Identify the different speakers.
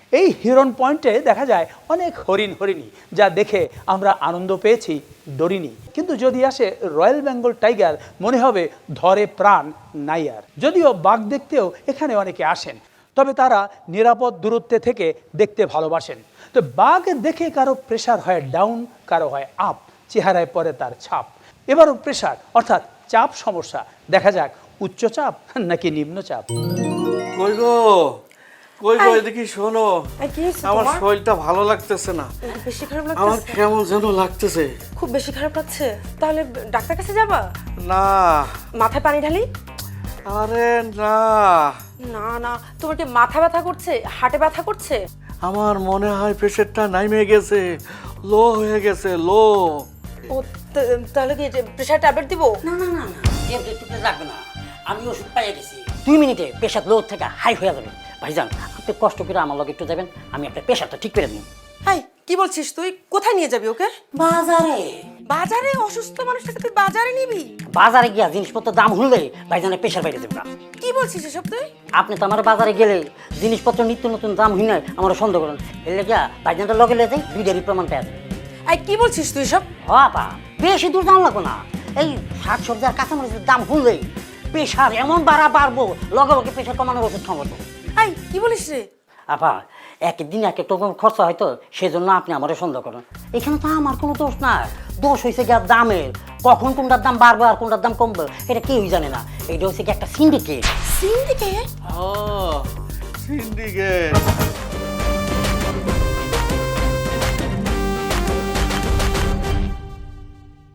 Speaker 1: এই হিরন পয়েন্টে দেখা যায় অনেক হরিণী, যা দেখে আমরা আনন্দ পেয়েছি, ডরিনি। কিন্তু যদি আসে রয়্যাল বেঙ্গল টাইগার, মনে হবে ধরে প্রাণ নাই আর। যদিও বাঘ দেখতেও এখানে অনেকে আসেন, তবে তারা নিরাপদ দূরত্বে থেকে দেখতে ভালোবাসেন। তো বাঘ দেখে কারো প্রেশার হয় ডাউন, কারো হয় আপ, চেহারায় পড়ে তার ছাপ। এবারও প্রেশার অর্থাৎ চাপ সমস্যা, দেখা যাক উচ্চচাপ নাকি নিম্নচাপ।
Speaker 2: কই গো এদিকে শোনো, আমার শরীরটা ভালো লাগতেছে না।
Speaker 3: বেশি খারাপ
Speaker 2: আমার
Speaker 3: লাগছে?
Speaker 2: কেমন যেন লাগতেছে।
Speaker 3: খুব বেশি খারাপ লাগছে? তাহলে ডাক্তার কাছে যাবা?
Speaker 2: না।
Speaker 3: মাথায় পানি ঢালি?
Speaker 2: আরে না
Speaker 3: না না, তোমার কি মাথা ব্যথা করছে, হার্টে ব্যথা করছে?
Speaker 2: আমার মনে হয় প্রেশারটা নাইমে গেছে, লো হয়ে গেছে, লো।
Speaker 3: ও তাহলে কি প্রেশার ট্যাবলেট দিব?
Speaker 4: না না না না, ট্যাবলেট লাগবে না, আমি ওষুধ পাইয়ে গেছি। 2 মিনিটে প্রেশার লো থেকে হাই হয়ে যাবে। ভাইজান, আপনি কষ্ট করে আমার লগে একটু যাবেন, আমি আপনার প্রেশারটা ঠিক করে দিই।
Speaker 3: হাই, কি বলছিস তুই? কোথায় নিয়ে যাবি ওকে?
Speaker 4: বাজারে।
Speaker 3: বাজারে? অসুস্থ মানুষটাকে তুই বাজারে নিবি?
Speaker 4: বাজারে গিয়া জিনিসপত্র দাম হলে ভাইজানের প্রেশার বাইরে যাবে।
Speaker 3: কি বলছিস এসব তুই?
Speaker 4: আপনি তো আমার বাজারে গেলে জিনিসপত্র নিত্য নতুন দাম হই নাই আমার সন্দেহ করেন, এলে গিয়া ভাইজানটা লগে লেগে যাই, 2টারই প্রমাণ পেয়ে যাবে।
Speaker 3: এই কি বলছিস তুই সব?
Speaker 4: বাবা, বেশি দূর দাম লাগবো না, এই শাক সবজি আর কাঁচামরিচের দাম হলেই প্রেশার এমন বাড়বো, লগে লগে প্রেশার কমানোর ওষুধ খাওয়াবো।
Speaker 3: এই কি বলিস রে?
Speaker 4: আপা, একদিন এক একটা খরচা হয়তো, সেজন্য আপনি আমারও সন্দেহ করেন। এখানে তো আমার কোনো দোষ না, দোষ হয়েছে গিয়ে দামের। কখন কোনটার দাম বাড়বে আর কোনটার দাম কমবে এটা কেউই জানে না। এটা হচ্ছে কি একটা সিন্ডিকেট।
Speaker 3: সিন্ডিকেট?
Speaker 2: সিন্ডিকেট